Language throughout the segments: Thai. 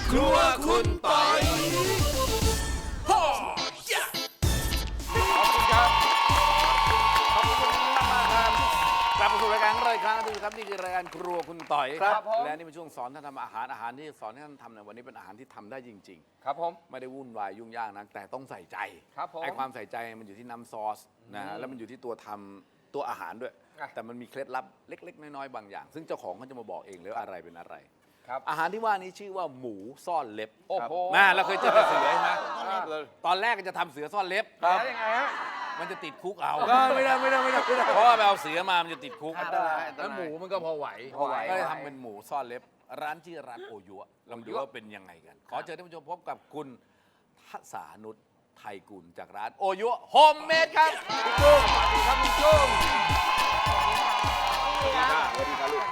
ครัวคุณปอยพ่อขอบคุณครับขอบคุณมากครับกลับมาสู่รายการของเราอีกครั้งนึงครับนี่คือรายการครัวคุณต่อยครับและนี่เป็นช่วงสอนท่านทำอาหารที่สอนให้ท่านทำในวันนี้เป็นอาหารที่ทำได้จริงๆครับผมไม่ได้วุ่นวายยุ่งยากนักแต่ต้องใส่ใจครับผมไอ้ความใส่ใจมันอยู่ที่น้ำซอสนะฮะแล้วมันอยู่ที่ตัวทำตัวอาหารด้วยแต่มันมีเคล็ดลับเล็กๆน้อยๆบางอย่างซึ่งเจ้าของเขาจะมาบอกเองเลยว่าอะไรเป็นอะไรอาหารที่ว่านี้ชื่อว่าหมูซ่อนเล็บโอ้โหเราเคยเจอเสือใช่ไหมตอนแรกก็จะทำเสือซ่อนเล็บแล้วยังไงฮะมันจะติดคุกเอาไม่ได้เพราะว่าไปเอาเสือมามันจะติดคุกแล้วหมูมันก็พอไหวก็เลยทำเป็นหมูซ่อนเล็บร้านชื่อร้านโอยัวลองดูว่าเป็นยังไงกันขอเชิญท่านผู้ชมพบกับคุณทัศนุชไทยกุลจากร้านโอยัวโฮมเมดครับคุณจุ้งสวัสดีครับคุณจุ้งสวัสดีค่ะสวัสดีค่ะลูก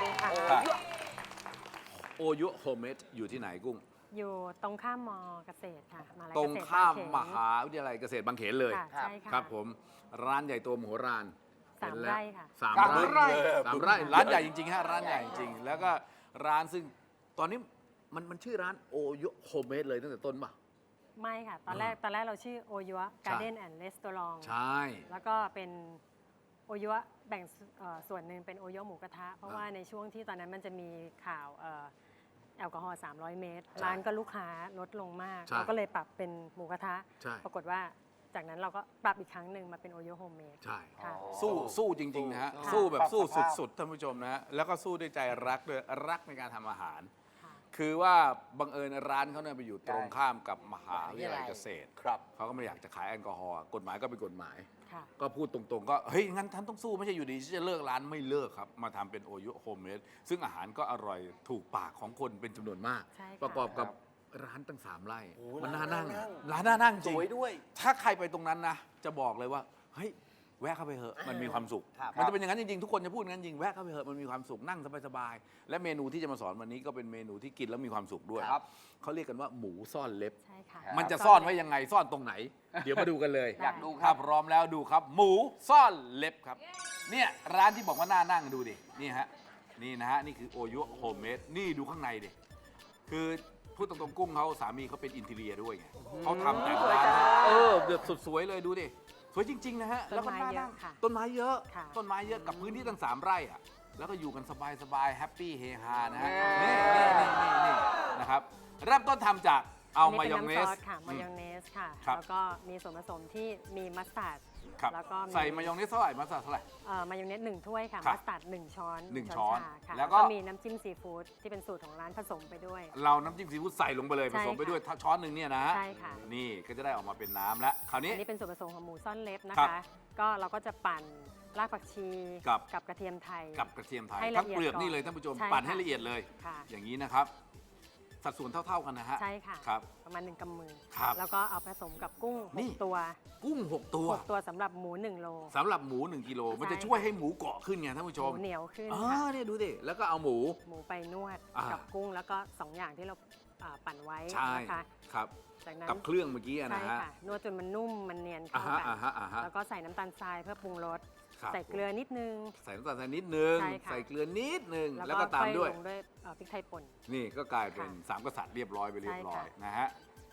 โอยัวโฮมเมดอยู่ที่ไหนกุ้งอยู่ตรงข้ามมอเกษตรค่ะตรงข้ามมหาวิทยาลัยเกษตรบางเขนเลยใช่ค่ะครับผมร้านใหญ่โตมโหฬาร 3 ไร่ค่ะ 3 ไร่ร้านใหญ่จริงๆฮะร้านใหญ่จริงๆแล้วก็ร้านซึ่งตอนนี้มันชื่อร้านโอยัวโฮมเมดเลยตั้งแต่ต้นป่ะไม่ค่ะตอนแรกเราชื่อโอยัวการ์เด้นแอนด์รีสตอรองใช่แล้วก็เป็นโอยัวแบ่งส่วนหนึ่งเป็นโอยัวหมูกระทะเพราะว่าในช่วงที่ตอนนั้นมันจะมีข่าวแอลกอฮอล์300 เมตรร้านก็ลูกค้าลดลงมากเราก็เลยปรับเป็นหมูกระทะปรากฏว่าจากนั้นเราก็ปรับอีกครั้งหนึ่งมาเป็นโอโยโฮมเมดใช่สู้จริงๆนะฮะสู้แบบสู้สุดๆท่านผู้ชมนะฮะแล้วก็สู้ด้วยใจรักด้วยรักในการทำอาหารคือว่าบังเอิญร้านเขาเนี่ยไปอยู่ตรงข้ามกับมหาวิทยาลัยเกษตรเขาก็ไม่อยากจะขายแอลกอฮอล์กฎหมายก็เป็นกฎหมายก็พูดตรงๆก็เฮ้ยงั้นท่านต้องสู้ไม่ใช่อยู่ดีที่จะเลิกร้านไม่เลิกครับมาทำเป็นโอโยโฮมเมดซึ่งอาหารก็อร่อยถูกปากของคนเป็นจำนวนมากประกอบกับร้านตั้ง3 ไร่มันน่านั่งร้านน่านั่งจริงสวยด้วยถ้าใครไปตรงนั้นนะจะบอกเลยว่าเฮ้ยแวะเข้าไปเถอะมันมีความสุขมันจะเป็นอย่างนั้นจริงๆทุกคนจะพูดงั้นจริงแวะเข้าไปเถอะมันมีความสุขนั่งสบายๆและเมนูที่จะมาสอนวันนี้ก็เป็นเมนูที่กินแล้วมีความสุขด้วยเขาเรียกกันว่าหมูซ่อนเล็บมันจะซ่อนไว้ยังไงซ่อนตรงไหนเดี๋ยวมาดูกันเลยอยากดูครับพร้อมแล้วดูครับหมูซ่อนเล็บครับเนี่ยร้านที่บอกว่าน่านั่งดูดินี่ฮะนี่นะฮะนี่คือโอยัวโฮมเมดนี่ดูข้างในดิคือพูดตรงๆกุ้งเขาสามีเขาเป็นอินทีเรียด้วยไงเขาทำแต่งร้านเดือดสุดสวยเลยดูดิสวยจริงๆนะฮะแล้วก็น่านั่งต้นไม้เยอะกับพื้นที่ตั้ง3 ไร่อ่ะแล้วก็อยู่กันสบายๆแฮปปี้เฮฮานะฮะนี่นะครับเริ่มต้นทำจากเอามายองเนสค่ะมายองเนสค่ะแล้วก็มีส่วนผสมที่มีมัสตาร์ดแล้วก็ใส่มายองเนสเท่าไหร่มัสตาร์ดเท่าไหร่มายองเนส1 ถ้วยค่ะมัสตาร์ด1 ช้อนค่ะแล้วก็มีน้ำจิ้มซีฟู้ดที่เป็นสูตรของร้านผสมไปด้วยเราน้ำจิ้มซีฟู้ดใส่ลงไปเลยผสมไปด้วยช้อนหนึ่งเนี่ยนะใช่ค่ะนี่ก็จะได้ออกมาเป็นน้ำแล้วคราวนี้อันนี้เป็นส่วนผสมของหมูซ่อนเล็บนะคะก็เราก็จะปั่นรากผักชีกับกระเทียมไทยทั้งเปลือกนี่เลยท่านผู้ชมปั่นให้ละเอียดเลยอย่างนี้นะครับสัดส่วนเท่าๆกันนะฮะใช่ค่ะครับประมาณ1 กำมือแล้วก็เอาผสมกับกุ้ง6 ตัวกุ้ง6 ตัวสำหรับหมู1 โลสำหรับหมู1 กิโลมันจะช่วยให้หมูเกาะขึ้นไงท่านผู้ชมเหนียวขึ้นเนี่ยดูดิแล้วก็เอาหมูไปนวดกับกุ้งแล้วก็2 อย่างที่เราปั่นไว้นะคะครับกับเครื่องเมื่อกี้นะฮะนวดจนมันนุ่มมันเนียนเข้ากันแล้วก็ใส่น้ำตาลทรายเพื่อปรุงรสใส่เกลือนิดนึงใส่น้ำตาลทรายนิดนึงใส่เกลือนิดนึงแล้วก็ตามด้วยพริกไทยป่นนี่ก็กลายเป็น3 กษัตริย์เรียบร้อยไปเรียบร้อยนะฮะ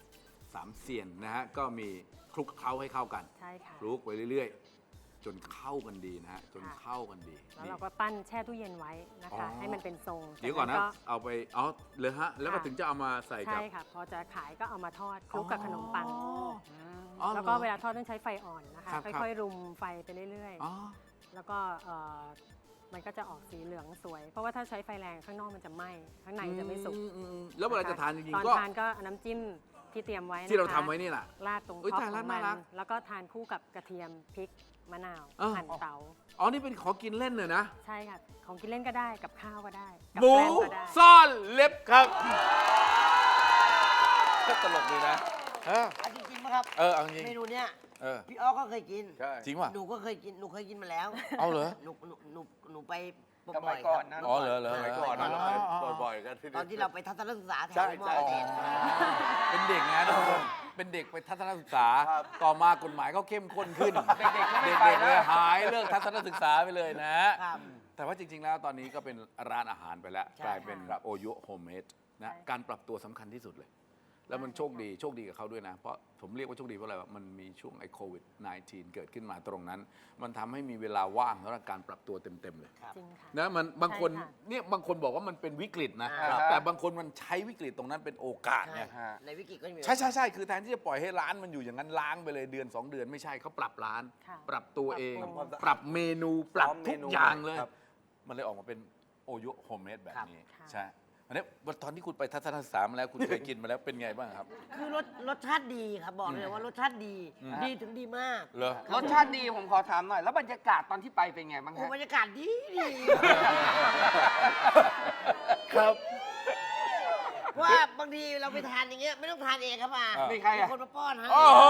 3 เสียนนะฮะก็มีคลุกเคล้าให้เข้ากันคลุกไปเรื่อยๆจนเข้ากันดีนะฮะจนเข้ากันดีแล้วเราก็ปั้นแช่ตู้เย็นไว้นะคะให้มันเป็นทรงเดี๋ยวก่อนนะเอาไปเลยฮะแล้วก็ถึงจะเอามาใส่กับใช่ค่ะพอจะขายก็เอามาทอดคลุกกับขนมปังแล้วก็เวลาทอดต้องใช้ไฟอ่อนนะคะค่อยๆรุมไฟไปเรื่อยๆแล้วก็มันก็จะออกสีเหลืองสวยเพราะว่าถ้าใช้ไฟแรงข้างนอกมันจะไหม้ข้างในจะไม่สุกแล้วเวลาจะทานจริงๆก็ตอนทานก็น้ำจิ้มที่เตรียมไว้ที่เราทำไว้นี่แหละราดตรงท็อปของมันแล้วก็ทานคู่กับกระเทียมพริกมะนาวหั่นเต๋านี่เป็นของกินเล่นเลยนะใช่ค่ะของกินเล่นก็ได้กับข้าวก็ได้หมูซ่อนเล็บครับก็ตลกดีนะจริงๆครับเอาจริงเมนูเนี้ยพี่อ้อก็เคยกินจริงป่ะหนูก็เคยกินหนูเคยกินมาแล้วเอาเหรอหนูไปบ่อยก่อนนะเหรอก่อนบ่อยๆกันตอนที่เราไปทัศนศึกษาแถวมอเกษตรเป็นเด็กนะทุกคนเป็นเด็กไปทัศนศึกษาต่อมากฎหมายก็เข้มข้นขึ้นเด็กๆเลยหายเลิกทัศนศึกษาไปเลยนะแต่ว่าจริง ๆ แล้วตอนนี้ก็เป็นร้านอาหารไปแล้วใช่กลายเป็นค่ะโอยุโฮมเมดนะใช่การปรับตัวสำคัญที่สุดเลย แล้วมันโชคดีกับเขาด้วยนะ เพราะผมเรียกว่าโชคดีเพราะอะไรวะมันมีช่วงไอ้โควิด -19 เกิดขึ้นมาตรงนั้น มันทำให้มีเวลาว่างสำหรับการปรับตัวเต็ม ๆ เลยครับจริงค่ะนะมันบางคนใช่ค่ะเนี่ยบางคนบอกว่ามันเป็นวิกฤตนะครับแต่บางคนมันใช้วิกฤตตรงนั้นเป็นโอกาสใช่ไงในวิกฤตก็มีใช่คือแทนที่จะปล่อยให้ร้านมันอยู่อย่างนั้นล้างไปเลยเดือน 2 เดือนไม่ใช่เขาปรับร้านค่ะปรับตัวเองปรับปรุงปรับเมนูปรับซ้อมเมทุกนูอย่างเลยครับมันเลยออกมาเป็นโอยุโฮมเมดแบบนี้ครับใช่อันนี้ตอนที่คุณไปทัศนศึกษามาแล้วคุณเคยกินมาแล้วเป็นไงบ้างครับคือรสชาติดีครับบอกเลยว่ารสชาติดี ดีถึงดีมากเหรอรสชาติดีผมขอถามหน่อย แล้วบรรยากาศตอนที่ไปเป็นไงบ้างโอ้ฮะบรรยากาศดีดีครับเพราะว่าบางทีเราไปทานอย่างเงี้ยไม่ต้องทานเองครับมาอ่ามีใครอะคนมาป้อนฮะโอ้โห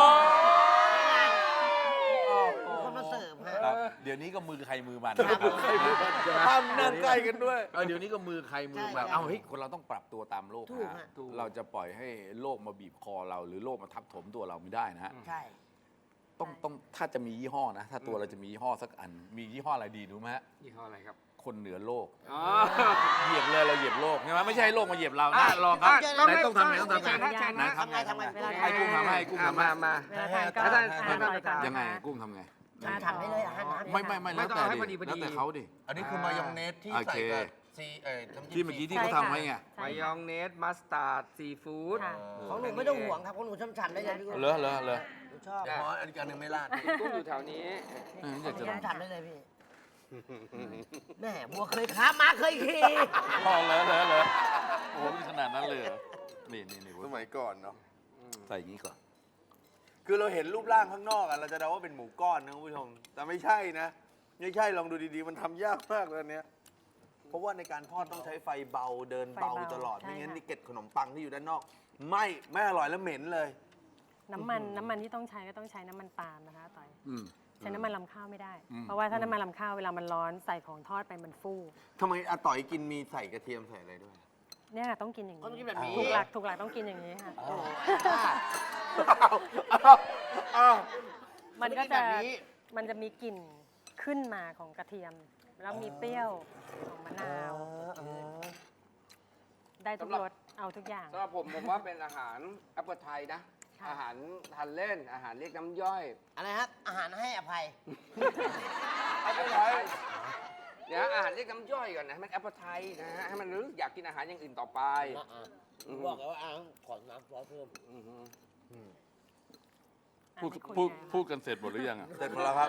มีคนมาเสิร์ฟฮะครับเดี๋ยวนี้ก็มือใครมือมันครับใครมือมันห้ามนั่งใกล้กันด้วยเดี๋ยวนี้ก็มือใครมือมันใช่เอาเฮ้ยคนเราต้องปรับตัวตามโลกถูกนะฮะเราจะปล่อยให้โลกมาบีบคอเรา หรือโลกมาทับถมตัวเราไม่ได้นะฮะใช่ต้องถ้าจะมียี่ห้อนะ ถ้าตัวเราจะมียี่ห้อสักอัน มียี่ห้ออะไรดีรู้ไหมฮะยี่ห้ออะไรครับคนเหนือโลกอ๋อเหยียบเลยเราเหยียบโลกใช่ไหมไม่ใช่ให้โลกมาเหยียบเรานะลองครับต้องไหนให้ต้องทำไงต้องทำไงเชิญนะทำไงทำไงเวลาให้กุ้งทำให้กุ้งทำให้มาเวลาทานก็อาจารย์ทานอร่อยก่อนนะคะยังไงกุ้งทำไงทำให้เลยอาหารน้ำไม่ไม่แล้วต้องแต่เอาให้ดิพอดีแล้วแต่เขาดิอันนี้คือมายองเนสที่โอใส่เคกับซีน้ำจิ้มที่เมื่อกี้ที่เขาทำไว้ไงใช่มายค่ะองเนส มัสตาร์ด ซีฟู้ดค่ะของหนูไม่ต้องห่วงครับของหนูช่ำฉันได้เลยพี่กุ้งเหรอหนูชอบเพราะอันนี้อันหนึงไม่ราดกุ้งอยู่แถวนี้อยากจะลองช่ำฉันได้เลยพี่แม่บัวเคยค้าม้าเคยขี่พอเหรอโอ้โหมีขนาดนั้นเลยเหรอนี่สมัยก่อนเนาะใส่อย่างนี้ก่อนคือเราเห็นรูปร่างข้างนอกอะเราจะเดาว่าเป็นหมูก้อนนะคุณผู้ชม แต่ไม่ใช่นะ ไม่ใช่ลองดูดีๆ มันทำยากมากเลยอันเนี้ยเพราะว่าในการทอดต้องใช้ไฟเบาเดินเบาไฟเบาตลอดใช่ไม่งั้นค่ะนี่เกล็ดขนมปังที่อยู่ด้านนอกไม่อร่อยแล้วเหม็นเลยน้ำมันที่ต้องใช้ก็ต้องใช้น้ำมันปาล์มนะคะต่อยอืมใช้น้ำมันลำข้าวไม่ได้อืมเพราะว่าถ้าน้ำมันลำข้าวเวลามันร้อนใส่ของทอดไปมันฟูทำไมอาต่อยกินมีใส่กระเทียมใส่อะไรด้วยเนี่ยค่ะต้องกินอย่างก็ต้องกินนี้แบบนี้ถูกหลักต้องกินอย่างนี้ค่ะ มันก็จะแบบนี้มันจะมีกลิ่นขึ้นมาของกระเทียม แล้วมีเปรี้ยวของมะนาว ได้ทุกรสเอาทุกอย่างสำหรับผมว่าเป็นอาหารอัปเปอร์ไทยนะค่ะอาหารทานเล่น อาหารเรียกน้ำย่อยอะไรครับอาหารให้อภัยอัปเปอร์ไทยเนี่ยอาหารเรียกน้ำย่อยก่อนนะให้มันอัปเปอร์ไทยนะฮะให้มันรู้อยากกินอาหารอย่างอื่นต่อไปบอกแล้วว่าขอน้ำซอสเพิ่มอือฮึพูดให้คุณพูดไงพูดกันเสร็จหมดหรือยังอะเสร็จหมดแล้วครับ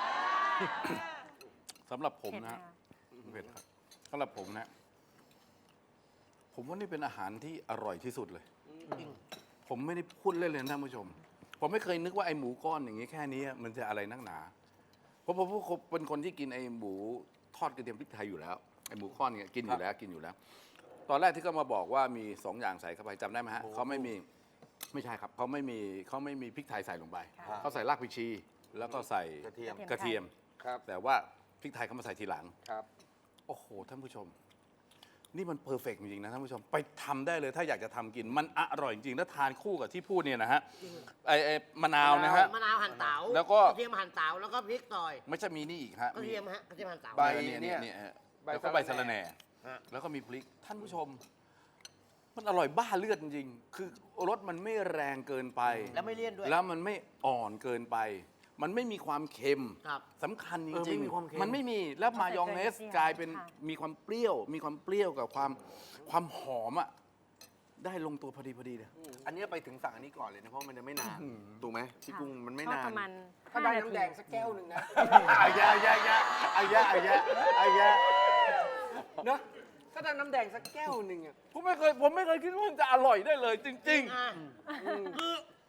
สำหรับผมเผ็ดนะนะฮะเผ็ดครับสำหรับผมนะ ผมว่านี่เป็นอาหารที่อร่อยที่สุดเลย ผมไม่ได้พูดเล่นเลยนะท่านผู้ชม ผมไม่เคยนึกว่าไอ้หมูก้อนอย่างนี้แค่นี้มันจะอะไรนักหนาเพราะผมเป็นคนที่กินไอ้หมูทอดกระเทียมพริกไทยอยู่แล้วไอ้หมูก้อนเนี่ยกินอยู่แล้วกินอยู่แล้ว ตอนแรกที่เขามาบอกว่ามี2อย่างใส่เข้าไปจำได้ไหมฮะเขาไม่มีไม่ใช่ครับเขาไม่มีพริกไทยใส่ลงไปค่ะเขาใส่รากผักชี แล้วก็ใส่กระเทียมกระเทียมครับแต่ว่าพริกไทยเขามาใส่ทีหลังครับโอ้โห ท่านผู้ชม นี่มันเพอร์เฟกต์จริง ๆ นะท่านผู้ชม ไปทำได้เลยถ้าอยากจะทำกิน มันอร่อยจริง ๆ แล้วทานคู่กับที่พูดเนี่ยนะฮะไอ้มะนาวนะฮะมะนาวหั่นเต๋าแล้วก็กระเทียมหั่นเต๋าแล้วก็พริกซอยไม่ใช่มีนี่อีกฮะกระเทียมฮะกระเทียมหั่นเต๋าใบเนี่ยฮะแล้วก็ใบสะระแหน่ฮะแล้วก็มีพริก ท่านผู้ชม มันอร่อยบ้าเลือดจริงๆ คือรสมันไม่แรงเกินไปแล้วไม่เลี่ยนด้วยแล้วมันไม่อ่อนเกินไป มันไม่มีความเค็มครับสำคัญจเออริงไม่มีความเค็มมันไม่มี แล้วมายองเนสใส่เกลือกลายเป็นค่ะมีความเปรี้ยวกับความหอมอ่ะ ได้ลงตัวพอดีเลยอันนี้ไปถึงสั่งอันนี้ก่อนเลยนะ เพราะมันจะไม่นาน ถูกไหมพี่กุ้งมันไม่ทอดนานประมาณถ้าได้ 5 น้ำแดงสักแก้วหนึ่งนะอายะเนอะถ้าได้น้ำแดงสักแก้วหนึ่งอะผมไม่เคยคิดว่ามันจะอร่อยได้เลย จริงอ่ะคือ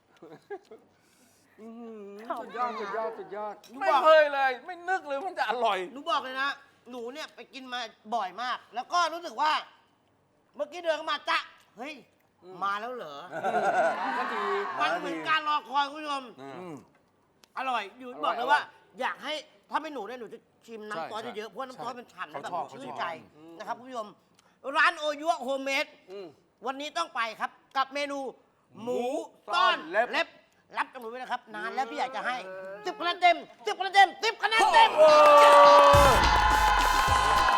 สุดยอด สุดยอด สุดยอดๆ ไม่เคยเลย ไม่นึกเลยมันจะอร่อยหนูบอกเลยนะ หนูเนี่ยไปกินมาบ่อยมาก แล้วก็รู้สึกว่า เมื่อกี้เดินเข้ามาจ๊ะเฮ้ย มาแล้วเหรอก็ดีมันเหมือนการรอคอยคุณผู้ชม อร่อยอยู่บอกเลยว่า อยากให้ถ้าไม่หนูเนี่ยหนูจะชิมน้ำซอสใช่เยอะๆเพราะว่าน้ำซอสมันฉ่ำเขาแล้วแบบชอบชื่นใจนะครับคุณผู้ชม ร้านโอยุโฮมเมด วันนี้ต้องไปครับกับเมนู หมูต้อนเล็บ รับกับหนูไว้นะครับ นานแล้วพี่อยากจะให้10 คะแนนเต็ม10 คะแนนเต็ม10 คะแนนเต็ม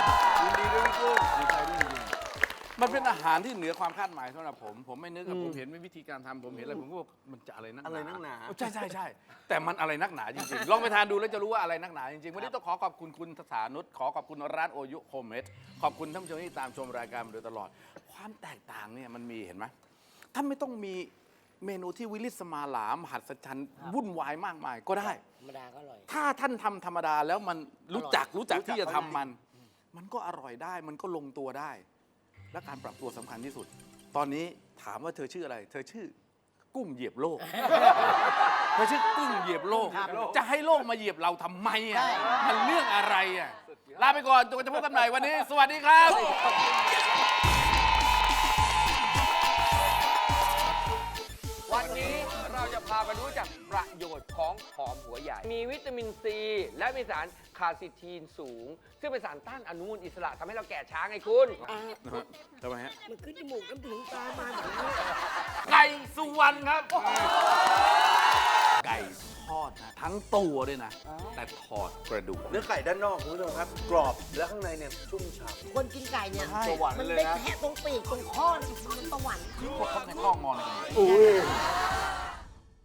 มันเป็นอาหารที่เหนือความคาดหมายสำหรับผม ผมไม่นึกอะผมเห็นวิธีการทำผมเห็นอะไรผมก็ว่ามันจะอะไรนักหนาอะไรนักหนาใช่ใช่ใช่แต่มันอะไรนักหนาจริงๆ ลองไปทานดูแล้วจะรู้ว่าอะไรนักหนาจริงๆ วันนี้ต้องขอขอบคุณคุณสานุชขอขอบคุณร้านโอยุโฮมเมดขอบคุณท่านผู้ชมที่ตามชมรายการมาโดยตลอด ความแตกต่างเนี่ยมันมีเห็นไหมท่านไม่ต้องมีเมนูที่วิลิสมาหลามหัศจรรย์วุ่นวายมากมายก็ได้ธรรมดาก็อร่อยถ้าท่านทำธรรมดาแล้วมันรู้จักรู้ที่จักจะทำมันก็อร่อยได้ มันก็ลงตัวได้ และการปรับตัวสำคัญที่สุด ตอนนี้ถามว่าเธอชื่ออะไร เธอชื่อกุ้งเหยียบโลก เธอชื่อกุ้งเหยียบโลก จะให้โลกมาเหยียบเราทำไมอ่ะ มันเรื่องอะไรอ่ะ ลาไปก่อนจนกว่าจะพบกันใหม่วันนี้ สวัสดีครับวันนี้เราจะพาไปรู้จักประโยชน์ของหอมหัวใหญ่ มีวิตามินซีและมีสารคาร์ซิทีนสูง ซึ่งเป็นสารต้านอนุมูลอิสระทำให้เราแก่ช้าไงคุณทำไมฮะมันขึ้นจมูกน้ำถึงตามาแบบนี้ไก่สุวรรณครับ ไก่ทอดนะทั้งตัวด้วยนะ แต่ถอดกระดูกเนื้อไก่ด้านนอกคุณผู้ชมครับ กรอบแล้วข้างในเนี่ยชุ่มฉ่ำคนกินไก่เนี่ยสวรรค์มันเลยได้นะแค่ตรงปีกตรงข้อนี่มันสวรรค์พวกเขาในข้องมองอะไรกันอุ้ย